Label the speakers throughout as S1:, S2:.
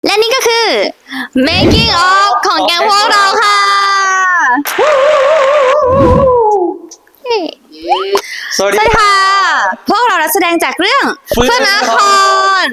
S1: และนี่ก็คือ making of ของแกงพวกเราค่ะ
S2: สวัส
S1: ส
S2: ดี
S1: วัสดีค่ะ พวกเรานักแสดงจากเรื่องเฟื่องนคร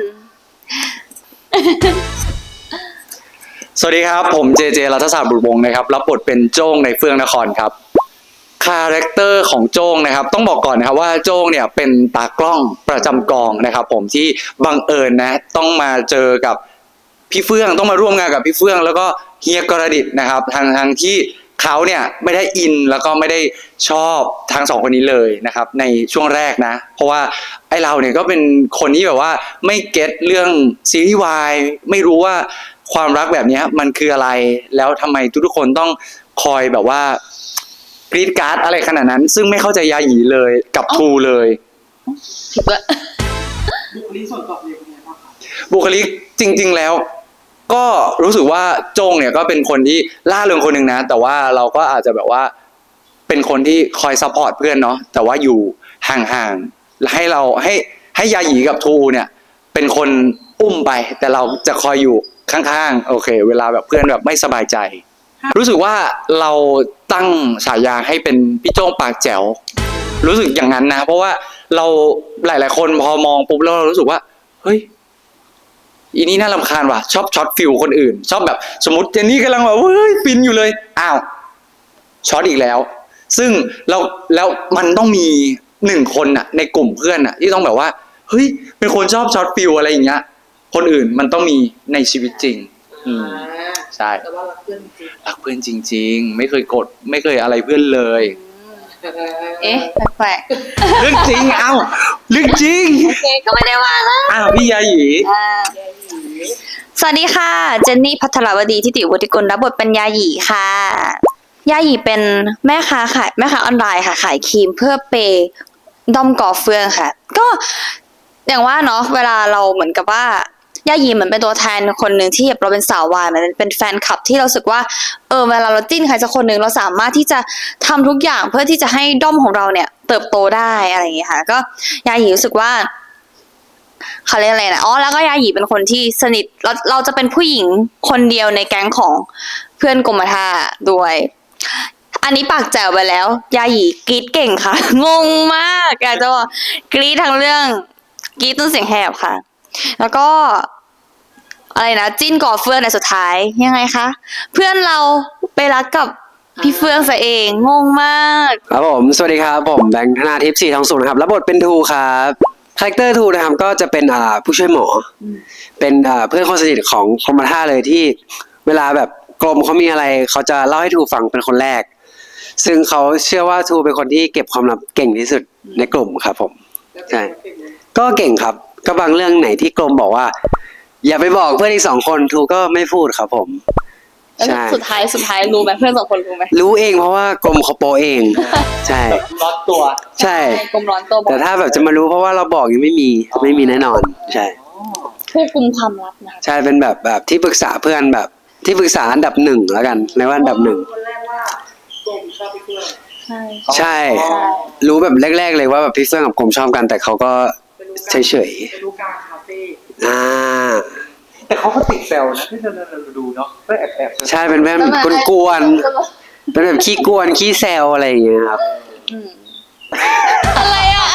S2: สวัสดีครับผมเจเจรัฐศาสตร์บุตรวงศ์นะครับรับบทเป็นโจ้งในเฟื่องนครครับคาแรคเตอร์ของโจ้งนะครับต้องบอกก่อนนะครับว่าโจ้งเนี่ยเป็นตากล้องประจำกองนะครับผมที่บังเอิญนะต้องมาเจอกับพี่เฟื่องต้องมาร่วมงานกับพี่เฟื่องแล้วก็เฮียกรดิตนะครับทางที่เขาเนี่ยไม่ได้อินแล้วก็ไม่ได้ชอบทั้งสองคนนี้เลยนะครับในช่วงแรกนะเพราะว่าไอเราเนี่ยก็เป็นคนที่แบบว่าไม่เก็ตเรื่องซีรีส์วายไม่รู้ว่าความรักแบบนี้มันคืออะไรแล้วทำไมทุกคนต้องคอยแบบว่ากรีดการ์ดอะไรขนาดนั้นซึ่งไม่เข้าใจยาหยีเลยกับทูเลย
S1: ผิดละ
S3: บุคลิกส่วนตัวเป็นยังไงบ้างครับ
S2: บุคลิกจริง ๆแล้วก็รู้สึกว่าโจงเนี่ยก็เป็นคนที่ล่าเริงคนหนึ่งนะแต่ว่าเราก็อาจจะแบบว่าเป็นคนที่คอยซัพพอร์ตเพื่อนเนาะแต่ว่าอยู่ห่างๆให้เราให้ยาหยีกับทูเนี่ยเป็นคนอุ้มไปแต่เราจะคอยอยู่ข้างๆโอเค เวลาแบบเพื่อนแบบไม่สบายใจ รู้สึกว่าเราตั้งฉายาให้เป็นพี่โจ้งปากแจ๋วรู้สึกอย่างนั้นนะเพราะว่าเราหลายๆคนพอมองปุ๊บแล้วเรารู้สึกว่าเฮ้ยอีนี่น่ารำคาญว่ะชอบช็อตฟิลคนอื่น ชอบแบบสมมติเจนนี่กำลังแบบเฮ้ยฟินอยู่เลยอ้าวช็อตอีกแล้ว ซึ่งแล้วมันต้องมีหนึ่งคนน่ะในกลุ่มเพื่อนน่ะที่ต้องแบบว่าเฮ้ยเป็นคนชอบช็อตฟิลอะไรอย่างเงี้ยคนอื่นมันต้องมีในชีวิตจริง ใช่
S3: แต่ว่ารักเพื่อนจริง
S2: รักเพื่อนจริงๆไม่เคยกดไม่เคยอะไรเพื่อนเลย
S1: เอ๊ะแปลก
S2: เรื่องจริงเอ้าเรื่องจริง
S1: ๆโอเคก็ไม่ได้ว่านะ
S2: อ้าวพี่ยาหยี
S1: สวัสดีค่ะ เจนนี่พัทรวดีทิติวุฒิกุลรับบทเป็นยาหยีค่ะ ยาหยีเป็นแม่ค้าออนไลน์ค่ะขายครีมเพื่อเปย์ด้อมก่อเฟืองค่ะ ก็อย่างว่าเนาะเวลาเราเหมือนกับว่ายาหยีเหมือนเป็นตัวแทนคนหนึ่งที่เราเป็นสาววายมันเป็นแฟนคลับที่เราสึกว่าเวลาเราจิ้นใครสักคนหนึ่งเราสามารถที่จะทำทุกอย่างเพื่อที่จะให้ด้อมของเราเนี่ยเติบโตได้อะไรอย่างเงี้ยค่ะก็ยาหยีรู้สึกว่าเขาเรียกอะไรนะแล้วก็ยาหยีเป็นคนที่สนิทเราจะเป็นผู้หญิงคนเดียวในแก๊งของเพื่อนกรมท่าด้วย อันนี้ปากแจ๋วไปแล้ว ยาหยีกรีดเก่งค่ะ งงมากอยากจะบอกกรีดทั้งเรื่องกรีดต้นเสียงแหบค่ะ แล้วก็อะไรนะจิ้นก่อเฟื่องในสุดท้ายยังไงคะเพื่อนเราไปรักกับพี่เฟื่องซะเองงงมาก
S4: ครับผมสวัสดีครับผมแบงค์ธนาทิพย์4 2 0ครับรับบทเป็นทูครับคาแรคเตอร์ทูนะครับก็จะเป็นผู้ช่วยหมอเป็นเพื่อนคนสนิทของคมท่าเลยที่เวลาแบบกรมเขามีอะไรเขาจะเล่าให้ทูฟังเป็นคนแรกซึ่งเขาเชื่อว่าทูเป็นคนที่เก็บความลับเก่งที่สุดในกลุ่มครับผมใช่ก็เก่งครับก็บางเรื่องไหนที่กรมบอกว่า อย่าไปบอกเพื่อนอีก2 คนทูก็ไม่พูดครับผมใช่
S1: สุดท้ายรู้ไหมเพื่อน2 คนรู้ไหม
S4: รู้เองเพราะว่ากรมเขาโปเองใช่
S2: ล็อตตัว
S4: ใช่
S1: กรมร้อนตัวบอก
S4: แต่ถ้าแบบจะมารู้เพราะว่าเราบอกยังไม่มีแน่นอน ใช่
S1: ผู้กุมความลับนะคะ
S4: ใช่เป็นแบบที่ปรึกษาเพื่อนแบบที่ปรึกษาอันดับ1แล้วกันในว่าอันดับ1
S3: คนแรกว่าโกมชอบพี่เพื่อน
S1: ใช่
S4: ใช่ รู้แบบแรกๆเลยว่าแบบพี่เฟื่องกับกรมชอบกัน แต่เขาก็เฉย
S3: เป็นลูกกาคาเฟ่
S4: ๆ
S2: แต่เขาก็ติดแซวนะที่เราดูเนาะก็แอบ
S4: ใช่เป็นแบบกวนๆเป็นแบบขี้กวนขี้แซวอะไรอย่างเงี้ยครับ
S1: อะไร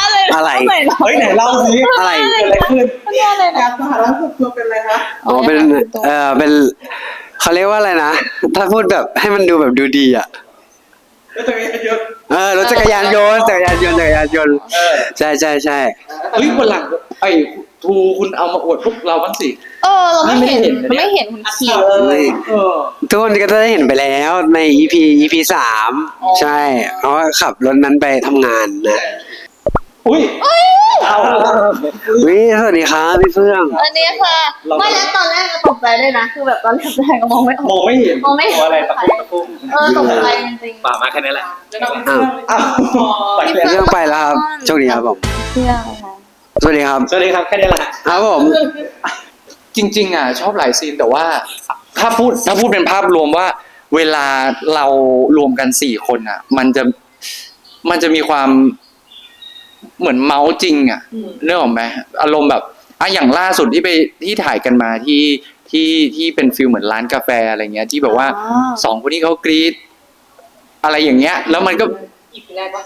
S2: เฮ้ยไหนเล่าสิ
S4: อะไร
S2: อะไรขึ้น
S3: การสหรัฐส่วนตัวเป็นอะไรคะ
S4: อ๋อเป็นเขาเรียกว่าอะไรนะถ้าพูดแบบให้มันดูแบบดูดีอ่ะ
S3: แล้วตัวเองเยอะ
S4: รถจักรยานยนต์ใช่
S2: เฮ้ยวันหลังไอ้ทูคุณเอามาอวดพวกเราบ้างสิ
S1: เราไม่เห็น
S2: ไม่
S1: ไม่
S2: เห็
S1: เห็
S2: น
S1: น
S2: นะ
S1: คุณ
S2: เนี่ย
S1: ขี่
S4: ทุกคนก็จะได้เห็นไปแล้วใน EP 3ใช่เพราะว่าขับรถนั้นไปทำงานนะ
S2: อุ้ยเอา
S4: วิสวัสดีครับพี่เฟื่อง
S1: อันนี้ค่ะไม่แล้วตอนแรกก็ตกใจด้วยนะคือแบบตอนแรกก็มองไม่อ
S2: ม
S1: อก
S2: องไม่เห็น
S1: มองไม่เห็น
S2: ตัวอะไรตะคุ่ม
S1: ตกใจจริง
S2: ป่ามาแค่นี้แหละ
S3: แล้วก็เป็นเพื่อน
S2: อ้าวไป
S1: ๆ
S2: เลย
S4: เรื่องไปแล้วครับโชคดีครับผม
S1: เพื่อนค่ะ
S4: สวัสดีครับ
S2: สวัสดีครับแค่นี้แหละ
S4: ครับผม
S2: จริงๆชอบหลายซีนแต่ว่าถ้าพูดเป็นภาพรวมว่า เวลาเรารวมกัน4 คนมันจะมีความเหมือนเมาส์จริงเรื่องของไหมอารมณ์แบบอย่างล่าสุดที่ถ่ายกันมาที่ที่เป็นฟิลเหมือนร้านกาแฟอะไรเงี้ยที่แบบว่า
S1: อ๋อ
S2: สองคนนี้เขากรีดอะไรอย่างเงี้ย แล้วมันก็
S3: อีกแรกว่า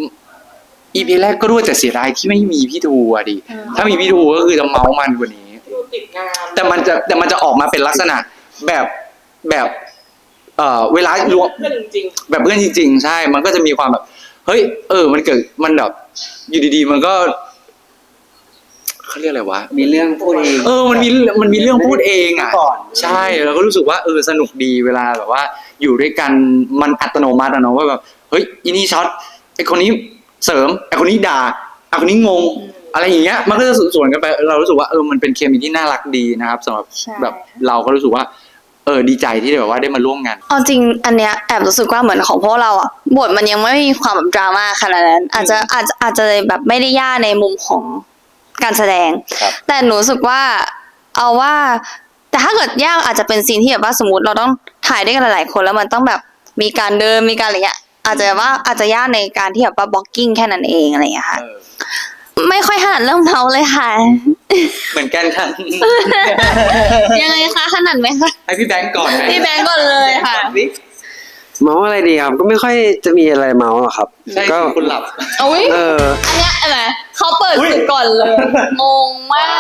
S2: EP แรกก็รู้แต่เสียดายที่ไม่มีพี่ทูอะดิ
S1: อืม
S2: ถ้ามีพี่ทูก็คือจะเมามันกว่านี้
S3: ที่ติดงาน
S2: แต่มันจะออกมาเป็นลักษณะแบบเวลารวม
S3: เพื่อนจริง
S2: แบบเพื่อนจริงๆใช่ มันก็จะมีความแบบ เฮ้ย มันเกิด มันแบบ อยู่ดีๆ มันก็เขาเรียกอะไรวะ
S4: มีเรื่องพูดเอง
S2: มันมีเรื่องพูดเองอ่ะ
S4: ก่อน
S2: ใช่เราก็รู้สึกว่าสนุกดีเวลาแบบว่า อยู่ด้วยกัน มันอัตโนมัติอะเนาะว่าแบบ เฮ้ยอีนี่ช็อต ไอคนนี้เสริม ไอคนนี้ด่า ไอคนนี้งง อะไรอย่างเงี้ย มันก็จะสวนกันไป เรารู้สึกว่ามันเป็นเคมีที่น่ารักดีนะครับสำหรับ
S1: ใช่
S2: แบบเราก็รู้สึกว่า ดีใจที่แบบว่าได้มาร่วมงาน
S1: เอาจริงอันเนี้ยแอบรู้สึกว่าเหมือนของพวกเราอ่ะบทมันยังไม่มีความแบบดราม่าขนาดนั้นอาจจะแบบไม่ได้ยากในมุมของการแสดง
S2: ครับ
S1: แต่หนูรู้สึกว่าเอาว่า แต่ถ้าเกิดยากอาจจะเป็นซีนที่แบบว่าสมมติเราต้องถ่ายด้วยกันหลายๆคนแล้วมันต้องแบบมีการเดินมีการอะไรเงี้ยอาจจะยากในการที่แบบว่าบล็อกกิ้งแค่นั้นเองอะไรอย่างเงี้ยค่ะ ไม่ค่อยถนัดเรื่องเมาเลยค่ะ
S2: เหมือนกันค่ะ
S1: ยังไงคะถนัดไหมคะ
S2: ให้พี่แบงก์ก่อนไหม
S1: พี่แบงก์ก่อนเลยค่ะ
S4: เมาส์อะไรดีครับก็ไม่ค่อยจะมีอะไรเมาส์หรอกครับ
S2: ใช่
S4: ก็
S2: คุณหลับ
S1: อุ้ย
S4: เออ
S1: อันเนี้ยอะไรเขาเปิดศึกก่อนเลย งงมาก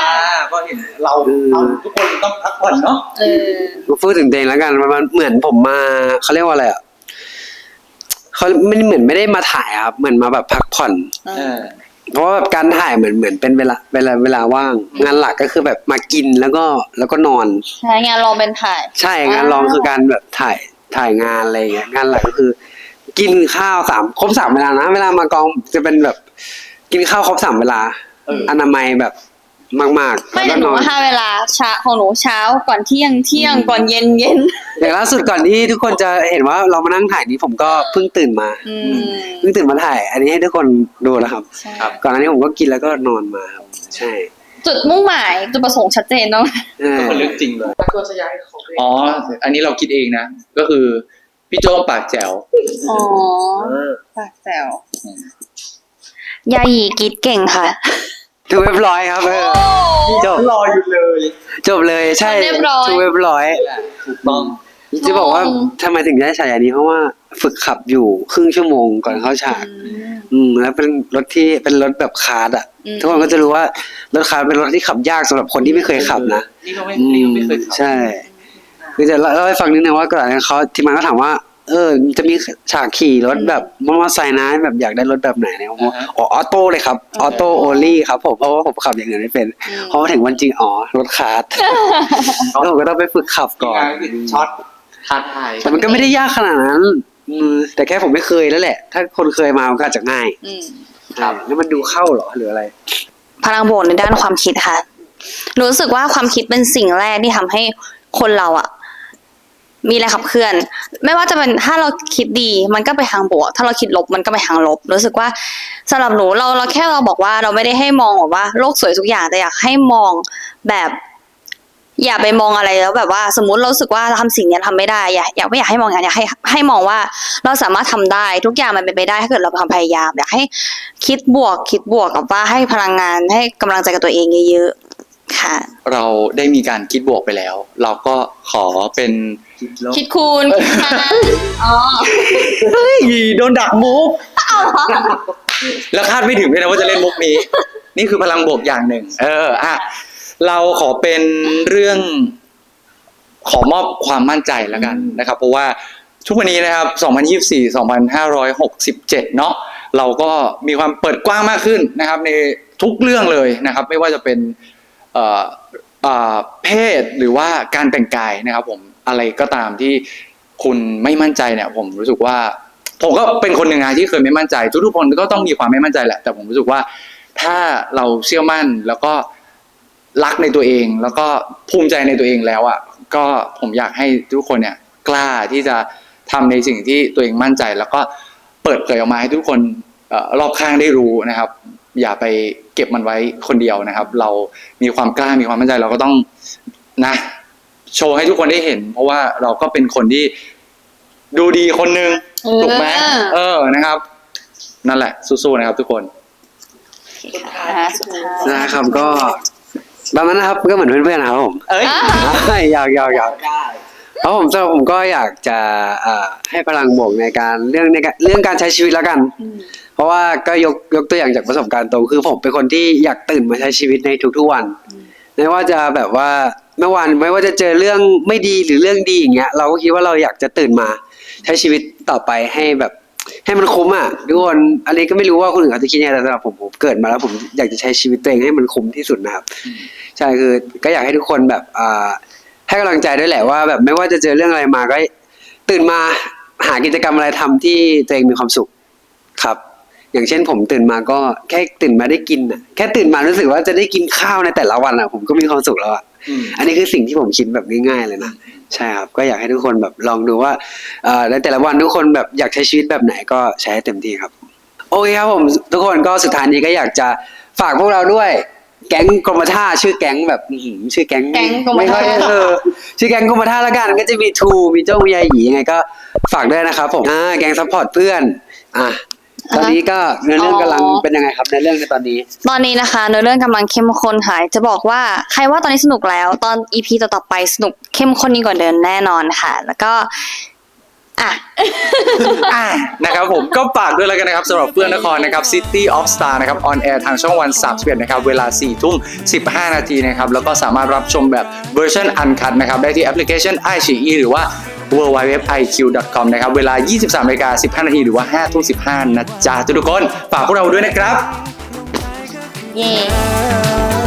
S2: ก็เห็นเราทุกคนต้องพักผ่อนเนาะ
S1: เออ
S4: มาพูดถึงเดงแล้วกันมันเหมือนผมมาเขาเรียกว่าอะไรอ่ะเขาไม่เหมือนไม่ได้มาถ่ายครับเหมือนมาแบบพักผ่อน เพราะว่าแบบการถ่ายเหมือนเป็นเวลาว่าง งานหลักก็คือแบบมากินแล้วก็นอน
S1: ใช่งานลองเป็นถ่าย
S4: ใช่งานรองคือการแบบถ่ายงานอะไรอย่างเงี้ยงานหลักก็คือ กินข้าวครบ 3 เวลานะเวลามากองจะเป็นแบบ กินข้าวครบ 3 เวลาอนามัยแบบมากๆ
S1: ไม่
S4: แล้ว
S1: แต่หนู
S4: ก็นอน
S1: ว่า5 เวลาเช้าของหนูเช้าก่อนเที่ยงก่อนเย็น
S4: อย่างล่าสุดก่อนที่ทุกคนจะเห็นว่าเรามานั่งถ่ายนี้ผมก็เพิ่งตื่นมา
S1: อืม
S4: เพิ่งตื่นมาถ่าย อันนี้ให้ทุกคนดูแล้วครับ
S1: ใช่
S2: ครับ
S4: ก่อนหน้านี้ผมก็กินแล้วก็นอนมาครับใช่
S1: จุดมุ่งหมายจุดประสงค์ชัดเจนเนาะ
S4: เออ
S2: คนเรื่องจริงเลย
S3: ตัวสยายของตัวเอง
S2: อ๋อ อันนี้เราคิดเองนะ ก็คือพี่โจ้ปากแจ๋ว
S1: อ๋อปากแซวยาหยีกรีดเก่งค่ะ
S4: ถูกเรียบร้อยครับจบ
S2: รออยู่เลย
S4: จบเลยใช่
S1: เรียบร้อย
S4: ถูกเรียบร้อย
S2: ถูกต้อง
S4: จะบอกว่าทำไมถึงได้ฉายานี้เพราะว่าฝึกขับอยู่ครึ่งชั่วโมงก่อนเข้าฉาก แล้วเป็นรถที่เป็นรถแบบคาร์ดอ่ะ
S1: อืม
S4: ทุกคนก็จะรู้ว่ารถคาร์ดเป็นรถที่ขับยากสำหรับคนที่ไม่เคยขับนะ
S2: นี่ก็ไม่เคยขับ
S4: ใช่คือจะเล่าให้ฟังนิดนึงว่าก่อนหน้านั้นเขาทีมงานก็ถามว่า จะมีฉากขี่รถแบบมอเตอร์ไซค์นะแบบอยากได้รถแบบไหนเนี่ยผมบอกออโต้เลยครับออโต้โอลี่ครับผมเพราะว่าผมขับอย่างอื่นไม่เป็นพอมาถึงวันจริงรถคาร์ดแล้วผมก็ต้องไปฝึกขับก่อน
S2: ช็อตท้าทาย
S4: แต่มันก็ไม่ได้ยากขนาดนั้นแต่แค่ผมไม่เคยแล้วแหละ ถ้าคนเคยมามันก็อาจจะง่าย
S1: อืม
S2: ครับ
S4: แล้วมันดูเข้าเหรอหรืออะไร
S1: พลังบวกในด้านความคิดค่ะหนูรู้สึกว่าความคิดเป็นสิ่งแรกที่ทำให้คนเราอะมีแรงขับเคลื่อน ไม่ว่าจะเป็นถ้าเราคิดดีมันก็ไปทางบวก ถ้าเราคิดลบมันก็ไปทางลบ รู้สึกว่าสำหรับหนูเราแค่เราบอกว่าเราไม่ได้ให้มองแบบว่าโลกสวยทุกอย่างแต่อยากให้มองแบบ อย่าไปมองอะไรแล้วแบบว่าสมมุติเรารู้สึกว่าทำสิ่งเนี้ยทำไม่ได้อยากไม่อยากให้มองอย่างนั้นอยากให้มองว่าเราสามารถทำได้ทุกอย่างมันเป็นไปได้ถ้าเกิดเราพยายามอยากให้คิดบวกกับว่าให้พลังงานให้กำลังใจกับตัวเองเยอะๆค่ะ
S2: เราได้มีการคิดบวกไปแล้ว เราก็ขอเป็น
S1: คิดคูณคิดหารอ๋อ
S2: เฮ้ยโดนดักมุกแล้วคาดไม่ถึงเลยนะว่าจะเล่นมุกนี้ นี่คือพลังบวกอย่างหนึ่งเราขอเป็นเรื่อง ขอมอบความมั่นใจแล้วกันนะครับ เพราะว่าทุกวันนี้นะครับ 2024-2567 เนาะเราก็มีความเปิดกว้างมากขึ้นนะครับ ในทุกเรื่องเลยนะครับ ไม่ว่าจะเป็นเพศหรือว่าการแต่งกายนะครับ ผมอะไรก็ตามที่คุณไม่มั่นใจเนี่ย ผมรู้สึกว่า ผมก็เป็นคนหนึ่งนะที่เคยไม่มั่นใจทุกๆคนก็ต้องมีความไม่มั่นใจแหละ แต่ผมรู้สึกว่าถ้าเราเชื่อมั่นแล้วก็รักในตัวเอง แล้วก็ภูมิใจในตัวเองแล้วอ่ะก็ผมอยากให้ทุกคนเนี่ยกล้าที่จะทำในสิ่งที่ตัวเองมั่นใจ แล้วก็เปิดเผยออกมาให้ทุกคนรอบข้างได้รู้นะครับ อย่าไปเก็บมันไว้คนเดียวนะครับ เรามีความกล้ามีความมั่นใจเราก็ต้องนะโชว์ให้ทุกคนได้เห็น เพราะว่าเราก็เป็นคนที่ดูดีคนหนึ่งถูกไหมนะครับ นั่นแหละสู้ๆนะครับทุกคน
S3: สุดท้าย
S1: สุดท้าย
S4: นะครับก็ประมาณนั้นครับก็เหมือนเพื่อนๆนะครับผม
S2: เอ้ย
S4: อยากแล้วผมสำหรับผมก็อยากจะให้พลังบวกในการเรื่องการใช้ชีวิตแล้วกัน เพราะว่าก็ยกตัวอย่างจากประสบการณ์ตรงคือผมเป็นคนที่อยากตื่นมาใช้ชีวิตในทุกๆวันไม่ว่าจะแบบว่าไม่ว่าจะเจอเรื่องไม่ดีหรือเรื่องดีอย่างเงี้ยเราก็คิดว่าเราอยากจะตื่นมาใช้ชีวิตต่อไปให้แบบให้มันคุ้มอ่ะทุกคนอันนี้ก็ไม่รู้ว่าคนอื่นเขาจะคิดยังไงแต่สำหรับผมเกิดมาแล้วผมอยากจะใช้ชีวิตตัวเองให้มันคุ้มที่สุดนะครับใช่คือก็อยากให้ทุกคนแบบให้กำลังใจด้วยแหละว่าแบบไม่ว่าจะเจอเรื่องอะไรมาก็ตื่นมาหากิจกรรมอะไรทำที่ตัวเองมีความสุขครับอย่างเช่นผมตื่นมาก็แค่ตื่นมาได้กินอ่ะแค่ตื่นมารู้สึกว่าจะได้กินข้าวในแต่ละวันอ่ะผมก็มีความสุขแล้วอ่ะอันนี้คือสิ่งที่ผมคิดแบบง่ายๆเลยนะใช่ครับก็อยากให้ทุกคนแบบลองดูว่าในแต่ละวันทุกคนแบบอยากใช้ชีวิตแบบไหนก็ใช้ให้เต็มที่ครับโอเคครับผมทุกคนก็สุดท้ายนี้ก็อยากจะฝากพวกเราด้วยแก๊งกรมท่าชื่อแก๊งแบบชื่อแก๊ง
S1: แก๊งกรมท่า
S4: ไม่ค่อยชื่อแก๊งกรมท่าละกันก็จะมีทูมีโจ้มียาหยียังไงก็ฝากด้วยนะครับผมแก๊งซัพพอร์ตเพื่อนตอนนี้ก็เนื้อเรื่องกำลังเป็นยังไงครับในเรื่องในตอนนี้
S1: ตอนนี้นะคะเนื้อเรื่องกำลังเข้มข้นค่ะจะบอกว่าใครว่าตอนนี้สนุกแล้วตอน EP ต่อๆไปสนุกเข้มข้นยิ่งกว่าเดิมแน่นอนค่ะ แล้วก็
S2: นะครับผมก็ฝากด้วยแล้วกันนะครับสำหรับเพื่อนนครนะครับ City of Star นะครับออนแอร์ทางช่องวัน31นะครับเวลา 4:15 นาทีนะครับแล้วก็สามารถรับชมแบบเวอร์ชันอันคัทนะครับได้ที่แอปพลิเคชัน iQIYI หรือว่า www.iq.com นะครับเวลา 23:15 นาทีหรือว่า 5:15 นะจ๊ะทุกคนฝากพวกเราด้วยนะครับ
S1: เย้